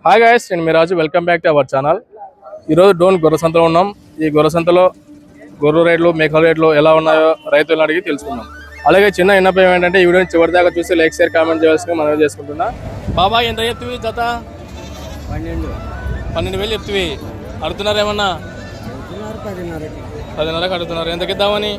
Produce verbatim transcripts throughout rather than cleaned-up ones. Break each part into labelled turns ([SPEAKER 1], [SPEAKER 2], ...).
[SPEAKER 1] Hi guys, నేను మీ Raju. Welcome back to our channel. ఈరోజు డోన్ గొర్రె సంతలో ఉన్నాం. ఈ గొర్రె సంతలో గొర్రె రేట్లు, మేకల రేట్లు ఎలా ఉన్నాయో రైతులను అడిగి తెలుసుకుందాం. అలాగే చిన్న విన్నపం ఏంటంటే ఈ వీడియోని చివరి దాకా చూసి లైక్ షేర్ కామెంట్ చేయాల్సిందిగా మనం చేసుకుంటున్నా. బాబా ఎంత చెప్తివి జత?
[SPEAKER 2] పన్నెండు
[SPEAKER 1] పన్నెండు వేలు చెప్తివి. అడుగుతున్నారు ఏమన్నా? పదిన్నరకు అడుగుతున్నారు. ఎంతకి ఇద్దామని?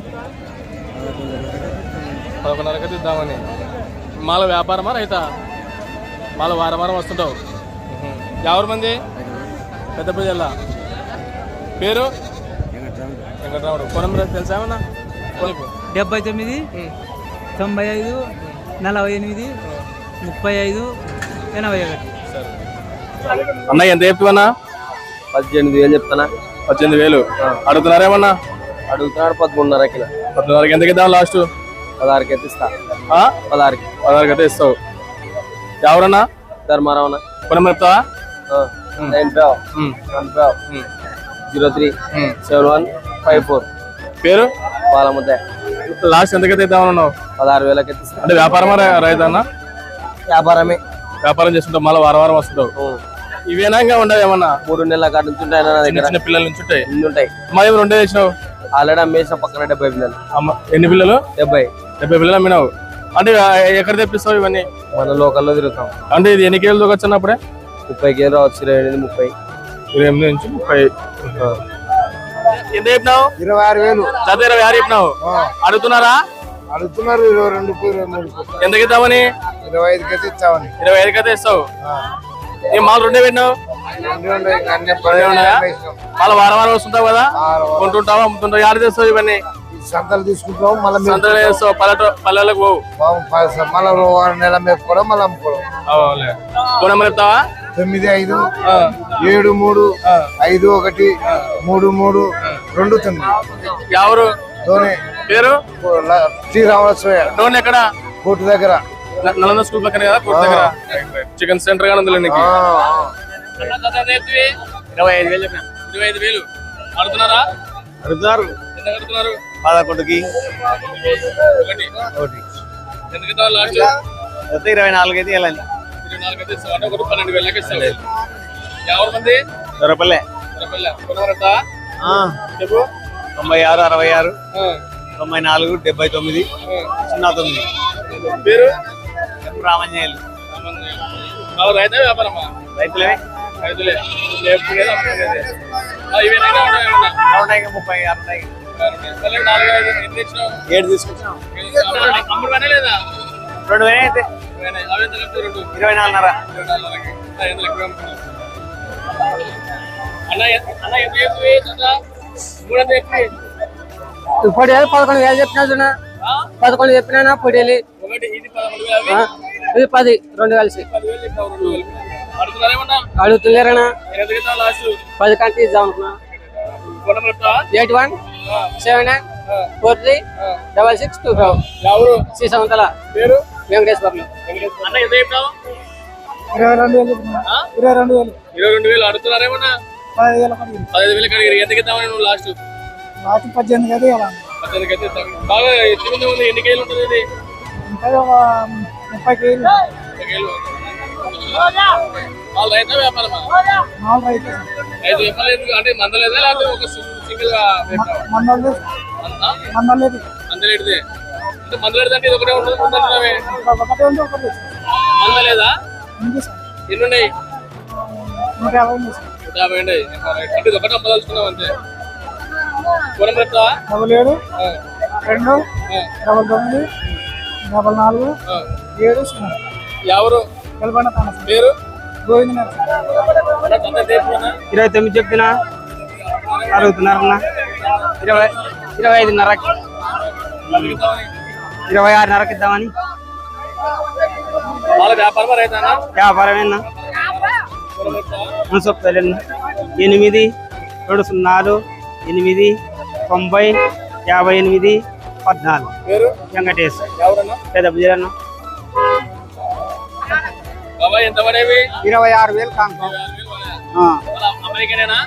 [SPEAKER 1] పదకొండున్నరకి ఇద్దామని. మాల వ్యాపారమా రైతా? మాల వారం వారం వస్తుంటావు. ఎవరి మంది? పెద్ద జిల్లా. పేరు? వెంకటరాముడు. పొలం తెలుసా ఏమన్నా?
[SPEAKER 2] డెబ్బై తొమ్మిది తొంభై ఐదు నలభై ఎనిమిది ముప్పై ఐదు ఎనభై ఒకటి.
[SPEAKER 1] అన్న ఎంత చెప్తున్నా?
[SPEAKER 3] పద్దెనిమిది వేలు చెప్తానా?
[SPEAKER 1] పద్దెనిమిది వేలు అడుగుతున్నారేమన్నా?
[SPEAKER 3] అడుగుతున్నాడు పదకొండున్నరకి.
[SPEAKER 1] పద్నాలుగున్నరకి ఎంత ఇద్దాం? లాస్ట్
[SPEAKER 3] పదహారుకి అయితే ఇస్తా. పదహారుకి
[SPEAKER 1] పదహారుకి అయితే ఇస్తావు. ఎవరన్నా?
[SPEAKER 3] ధర్మారావునా?
[SPEAKER 1] పొలం చెప్తావా?
[SPEAKER 3] Nine five one five zero three seven one five four.
[SPEAKER 1] పేరు?
[SPEAKER 3] పాలముద్ద.
[SPEAKER 1] లాస్ట్ ఎంతకైతే ఇద్దామన్నావు?
[SPEAKER 3] పదహారు వేలకి అయితే ఇస్తా.
[SPEAKER 1] అంటే వ్యాపారమా రైతన్నా?
[SPEAKER 3] వ్యాపారమే.
[SPEAKER 1] వ్యాపారం చేసుకుంటావు, మళ్ళీ వారం వారం వస్తుంటావు. ఇవేనా ఇంకా ఉండవు ఏమన్నా?
[SPEAKER 3] మూడు నెలల కాడ నుంచి ఉంటాయి నా దగ్గర.
[SPEAKER 1] చిన్న పిల్లల నుంచి ఉంటాయి.
[SPEAKER 3] ఇన్ని ఉంటాయి.
[SPEAKER 1] మా ఏమి రెండే తెచ్చినావు?
[SPEAKER 3] ఆల్రెడీ అమ్మేసిన పక్కన డెబ్బై పిల్లలు.
[SPEAKER 1] అమ్మ ఎన్ని పిల్లలు?
[SPEAKER 3] డెబ్బై.
[SPEAKER 1] డెబ్బై పిల్లలు అమ్మినావు. అంటే ఎక్కడ తెప్పిస్తావు ఇవన్నీ?
[SPEAKER 3] మన లోకల్లో తిరుగుతాం.
[SPEAKER 1] అంటే ఇది ఎన్ని కేజీలు దొరకచ్చినప్పుడే?
[SPEAKER 3] ముప్పై కేజీలు రావచ్చు. ఇరవై ఎనిమిది ముప్పై
[SPEAKER 1] ఇరవై ఎనిమిది నుంచి ముప్పై. ఎంత చెప్పినావు?
[SPEAKER 3] ఇరవై ఆరు వేలు.
[SPEAKER 1] జత ఇరవై ఆరు చెప్పినావు. అడుగుతున్నారా?
[SPEAKER 3] అడుగుతున్నారు ఇరవై రెండు ఇరవై మూడు.
[SPEAKER 1] ఎంతకి ఇద్దామని?
[SPEAKER 3] ఇరవై ఐదుకి అయితే ఇచ్చామని.
[SPEAKER 1] ఇరవై ఐదుకి అయితే ఇస్తావు. ఏం మాలు రెండే పెట్టినావు? మళ్ళీ వారం వారం వస్తుంటావు కదా, కొంటుంటావా అమ్ముతుంటావు? యాడ చేస్తావు ఇవన్నీ?
[SPEAKER 3] సంతలు తీసుకుంటాం, మళ్ళీ
[SPEAKER 1] సంతలు చేస్తావు. పల్లెటూ పల్లెలకు పోవు.
[SPEAKER 3] మళ్ళీ నెల మేపుకోవడం, మళ్ళీ అమ్ముకోవడం.
[SPEAKER 1] ఫోన్ నెంబర్ చెప్తావా?
[SPEAKER 3] తొమ్మిది ఐదు ఏడు మూడు ఐదు ఒకటి మూడు మూడు రెండు తొమ్మిది.
[SPEAKER 1] ఎవరు?
[SPEAKER 3] ధోని.
[SPEAKER 1] పేరు?
[SPEAKER 3] శ్రీరామస్వయ్య.
[SPEAKER 1] డోన్ ఎక్కడ?
[SPEAKER 3] కోర్టు దగ్గర.
[SPEAKER 1] నలంద స్కూల్ పక్కన కదా, కోర్టు దగ్గర. చికెన్ సెంటర్ గా ఉంది. ఇరవై ఐదు వేలు. ఇరవై ఐదు వేలు అడుగుతున్నారా?
[SPEAKER 3] అడుగుతారు.
[SPEAKER 1] ఎంత అడుగుతున్నారు?
[SPEAKER 3] పదకొండుకి
[SPEAKER 1] ఒకటి. ఎందుకు లాస్ట్?
[SPEAKER 3] ఇరవై నాలుగు అయితే వెళ్ళండి.
[SPEAKER 1] ఇరవై నాలుగు అయితే ఇస్తావు. ఒకటి పన్నెండు వేలకి ఇస్తావు. ఎవరి మంది?
[SPEAKER 3] దొరపల్లె.
[SPEAKER 1] చెప్పు.
[SPEAKER 3] తొంభై ఆరు అరవై ఆరు తొంభై నాలుగు డెబ్బై తొమ్మిది సున్నా తొమ్మిది.
[SPEAKER 1] పేరు?
[SPEAKER 3] రామంజేయులు.
[SPEAKER 1] రైతా వ్యాపారమా?
[SPEAKER 3] రైతులే.
[SPEAKER 1] రైతులే.
[SPEAKER 3] ముప్పై ఆరు
[SPEAKER 1] ఏడు తీసుకొచ్చాం. అమ్ముడు పనే లేదా?
[SPEAKER 3] రెండు వేలు అయితే ఇరవై నాలుగున్నర.
[SPEAKER 2] ఇప్పుడు పదకొండు వేలు చెప్పినా పదకొండు చెప్పినా పొడేలి. ఇది పది రెండు కలిసి అడుగుతున్నారనా? పది కంటే ఇద్దాం అనుకున్నా. Eight one seven nine four three double six two five. శ్రీసవంతల.
[SPEAKER 1] పేరు?
[SPEAKER 2] వెంకటేశ్వర్లు.
[SPEAKER 3] ఇరవై రెండు వేలు. ఇరవై రెండు వేలు.
[SPEAKER 1] ఇరవై రెండు వేలు అడుగుతున్నారేమన్నా? పదిహేను వేలు కడిగి ఎంతకి ఇద్దామని నువ్వు లాస్ట్?
[SPEAKER 3] లాస్ట్ పద్దెనిమిది అయితే
[SPEAKER 1] పద్దెనిమిది అయితే ఇద్దాం. బాగా ఎత్తుకుంది ఉంది. ఎన్ని కేజీలు ఉంటుంది ఇది?
[SPEAKER 3] ముప్పై కేజీలు.
[SPEAKER 1] ముప్పై కేజీలు. వాళ్ళు రైతా వ్యాపారమా? ఐదు చెప్పలేదు అంటే మందలేదా లేకపోతే ఒక సింగిల్ గా మందలేదే? అంటే మందలేడు అంటే ఇది ఒకటే ఉంటుంది. మందలేదా? ఎన్ని ఉన్నాయి? నూట యాభై ఉన్నాయి. అంటే ఇది ఒకటే అమ్మదలుచుకున్నావు అంతే. పొలం చెప్తావా?
[SPEAKER 3] డబల్ ఏడు రెండు డబల్ తొమ్మిది డబల్ నాలుగు ఏడు సున్నా.
[SPEAKER 1] ఎవరు? పేరు?
[SPEAKER 3] గోవింద.
[SPEAKER 2] ఇరవై తొమ్మిది చెప్తున్నా అడుగుతున్నారన్నా. ఇరవై ఇరవై ఐదున్నరకి ఇరవై ఆరున్నరకి ఇద్దామని.
[SPEAKER 1] వాళ్ళ వ్యాపారమా రైతానా?
[SPEAKER 2] వ్యాపారమేనా? చెప్తారన్నా. ఎనిమిది రెండు సున్నాలు ఎనిమిది తొంభై యాభై ఎనిమిది పద్నాలుగు.
[SPEAKER 1] పేరు?
[SPEAKER 2] వెంకటేష్.
[SPEAKER 1] ఎవరన్నా?
[SPEAKER 2] పెద్ద బుజరన్న.
[SPEAKER 1] ఎంత పడేవి?
[SPEAKER 2] ఇరవై ఆరు వేలు కానుకో.
[SPEAKER 1] అమెరికనేనా?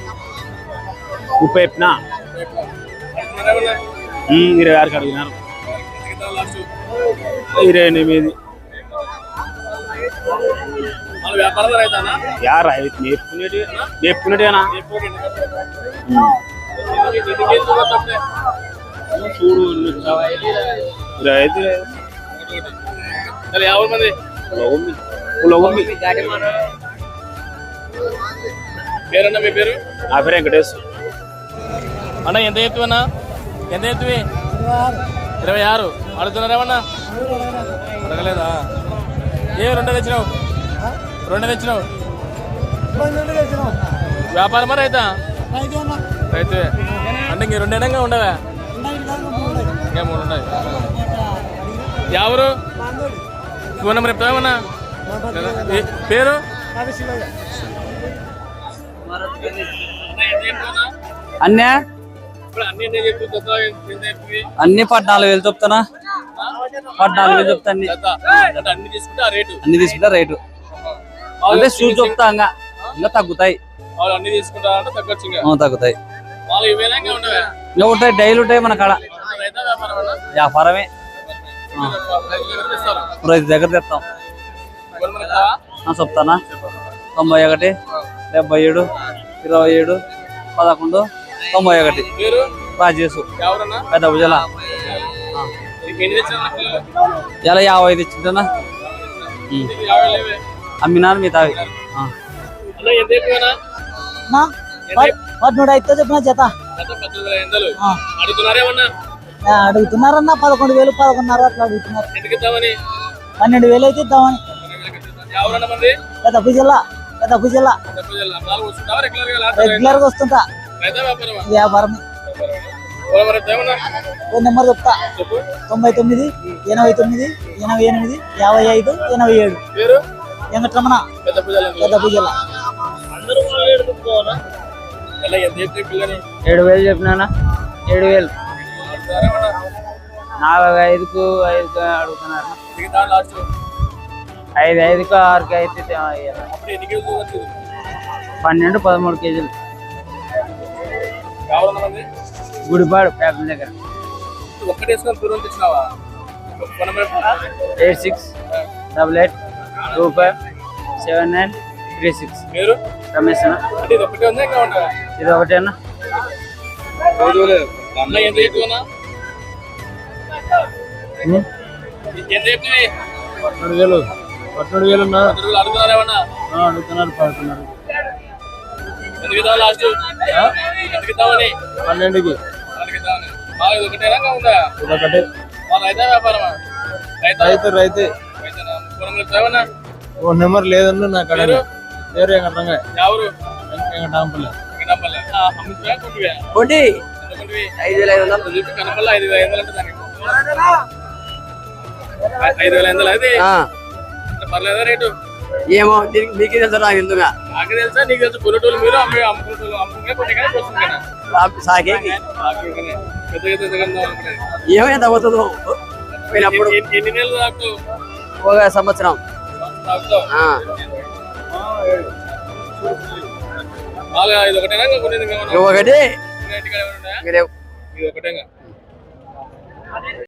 [SPEAKER 2] ముప్పై చెప్పినా ఇరవై ఆరుకి అడుగుతున్నారు.
[SPEAKER 1] లాస్ట్
[SPEAKER 4] ఇరవై ఎనిమిది
[SPEAKER 1] మన వ్యాపారం రైతానా
[SPEAKER 4] యా రైతు నేర్పుకునేటి నేర్పుకునేటేనా చూడు రైతు
[SPEAKER 1] యాభై మంది
[SPEAKER 4] పులగొమ్మి
[SPEAKER 1] పేరన్నా మీ పేరు
[SPEAKER 4] నా పేరు వెంకటేష్
[SPEAKER 1] అన్న ఎంత ఎత్తువన్నా ఎంత ఎత్తువి ఇరవై ఆరు అడుగుతున్నారేమన్నా అడగలేదా ఏ రెండో తెచ్చినావు రెండో తెచ్చినావు వ్యాపారమా రైతా రైతే అంటే ఇంక రెండు ఎడంగా ఉండవా ఇంకా మూడు ఉన్నాయి ఎవరు ఫోన్ నెంబర్ చెప్తావేమన్నా పేరు
[SPEAKER 2] అన్నే అన్ని పద్నాలుగు వేలు చెప్తానా పద్నాలుగు వేలు చెప్తా అన్ని
[SPEAKER 1] అన్ని తీసుకుంటే ఆ రేటు
[SPEAKER 2] అన్ని తీసుకుంటా రేటు అంటే షూస్ చెప్తా ఇంకా ఇంకా తగ్గుతాయి
[SPEAKER 1] వాళ్ళు అన్ని తీసుకుంటారంటే తగ్గొచ్చు ఇంకా
[SPEAKER 2] ఆ, తగ్గుతాయి
[SPEAKER 1] వాళ్ళు ఇవేనా ఇంకా ఉండవా
[SPEAKER 2] ఇంకా ఉంటాయి డైలీ ఉంటాయి మన కాడ
[SPEAKER 1] రైతా వ్యాపారం అన్నా
[SPEAKER 2] వ్యాపారమే
[SPEAKER 1] ఇస్తారు
[SPEAKER 2] రైతు దగ్గర తెస్తాం ఆ, చెప్తానా తొంభై ఒకటి డెబ్బై ఏడు ఇరవై ఏడు పదకొండు తొంభై ఒకటి
[SPEAKER 1] పేరు
[SPEAKER 2] రాజేసు
[SPEAKER 1] ఎవరన్నా
[SPEAKER 2] పెద్ద భుజల
[SPEAKER 1] నీకు ఎన్ని తెచ్చారు పిల్లలు
[SPEAKER 2] ఇలా యాభై ఐదు ఇచ్చింటనా
[SPEAKER 1] నీకు యాభై లేవే
[SPEAKER 2] అమ్మినాను మీ తావి
[SPEAKER 1] అన్న ఎంత ఎక్కువనా
[SPEAKER 5] పదమూడు అయితే చెప్పిన జత
[SPEAKER 1] గత పద్దెనిమిది వేల ఎందలు అడుగుతున్నారేమన్నా
[SPEAKER 5] ఆ, అడుగుతున్నారన్న పదకొండు వేలు పదకొండున్నర అట్లా అడుగుతున్నారు
[SPEAKER 1] ఎందుకు ఇద్దామని
[SPEAKER 5] పన్నెండు వేలు అయితే ఇద్దామని
[SPEAKER 1] ఎవరన్నా మంది
[SPEAKER 5] పెద్ద జిల్లా పెద్ద జిల్లా
[SPEAKER 1] డబ్బు జిల్లా నాలుగు వస్తుంటావా రెగ్యులర్ గా లాస్ట్
[SPEAKER 5] రెగ్యులర్ గా వస్తుంటా
[SPEAKER 1] రైతా వ్యాపారమా
[SPEAKER 5] వ్యాపారమే
[SPEAKER 1] మరి ఏమన్నా
[SPEAKER 5] ఫోన్ నెంబర్ చెప్తా
[SPEAKER 1] చెప్పు
[SPEAKER 5] తొంభై తొమ్మిది ఎనభై తొమ్మిది ఎనభై ఎనిమిది యాభై ఐదు ఎనభై ఏడు
[SPEAKER 1] పేరు
[SPEAKER 5] వెంకటరమణ
[SPEAKER 1] పెద్ద పూజలు
[SPEAKER 5] పెద్ద జిల్లా
[SPEAKER 1] అందరూ ఎడుకోవాలా ఎలా ఎంత చెప్పి పిల్లని
[SPEAKER 2] ఏడు వేలు చెప్పినానా ఏడు వేలు నాలుగు ఐదుకు ఐదుకు అడుగుతున్నారు
[SPEAKER 1] మిగతా లాస్ట్
[SPEAKER 2] ఐదు ఐదుకు ఆరుకు అయితే
[SPEAKER 1] అప్పుడు ఎన్ని కేజీలు వచ్చింది
[SPEAKER 2] పన్నెండు పదమూడు కేజీలు
[SPEAKER 1] కావాలన్నా మంది
[SPEAKER 2] గుడిపాడు ప్యాపిల్ దగ్గర
[SPEAKER 1] ఒక్కటేసుకొని దూరం తెచ్చినావా ఫోన్ నెంబర్ చెప్పు.
[SPEAKER 2] Eight six double eight two five seven nine three six
[SPEAKER 1] పేరు
[SPEAKER 2] రమేష్ అన్న
[SPEAKER 1] అంటే ఇది ఒక్కటే ఉందా ఇంకా ఉంటావా
[SPEAKER 2] ఇది ఒకటేనా
[SPEAKER 1] అన్న ఎంత చెప్తున్నా ఎంత చెప్తుంది
[SPEAKER 4] పదమూడు వేలు పదమూడు వేలు ఉన్నా
[SPEAKER 1] అడుగుతున్నారేమన్నా
[SPEAKER 4] అడుగుతున్నారు పడుతున్నారు
[SPEAKER 1] ఎందుకు ఇద్దాం లాస్ట్ ఎందుకు ఇద్దామని
[SPEAKER 4] పన్నెండుకి
[SPEAKER 1] వాళ్ళకి ఇద్దామని మాకు ఇది ఒకటేనా ఇంకా ఉందా
[SPEAKER 4] ఇదొకటి
[SPEAKER 1] మా రైతా వ్యాపారమా రైతా
[SPEAKER 4] రైతు రైతే
[SPEAKER 1] రైతేనా? ఫోన్ నెంబర్ చెప్తావన్నా
[SPEAKER 4] ఓ నెంబర్ లేదన్న నా కడ
[SPEAKER 1] పేరు
[SPEAKER 4] పేరు వెంకటరంగా
[SPEAKER 1] ఎవరు
[SPEAKER 4] వెంకటాంపల్లి
[SPEAKER 1] కనపల్లె అమ్ముతున్నా కొంటివే
[SPEAKER 2] ఒకటి
[SPEAKER 1] ఎంత కొంటివి
[SPEAKER 2] ఐదు వేల ఐదు వందలు
[SPEAKER 1] చెప్పి కనపల్ల ఐదు వేల ఐదు వందలు అంటే దానికి ఐదు వేల ఐదు వందలు అది పర్లేదా రేటు
[SPEAKER 2] ఏమో దీనికి మీకే తెలుసు నాకు ఎందుగా
[SPEAKER 1] నాకు తెలుసా నీకు తెలుసు కొనేటోళ్ళు మీరు అమ్మే అమ్ముకుంటోళ్ళు అమ్ముకునే కొన్ని కానీ వస్తుంది కదా
[SPEAKER 2] సాగేకి
[SPEAKER 1] ఆఖరికనే. పెద్ద పెద్ద దుకాణం అనుకునేది.
[SPEAKER 2] ఏమైనా తగ్గుతుందో పోయినప్పుడు
[SPEAKER 1] ఎన్ని- ఎన్ని నెలలు తాకు
[SPEAKER 2] ఒక సంవత్సరం
[SPEAKER 1] తాగుతావు
[SPEAKER 2] ఆ.
[SPEAKER 1] బాగా ఇది ఒకటేనా ఇంకా కొనేది ఇంకా ఏమన్నా?
[SPEAKER 2] ఒకటి
[SPEAKER 1] ఇంకా ఇంటికాడ ఏమైనా ఉన్నాయా?
[SPEAKER 2] ఇంకా లేవు.
[SPEAKER 1] ఇది ఒకటేగా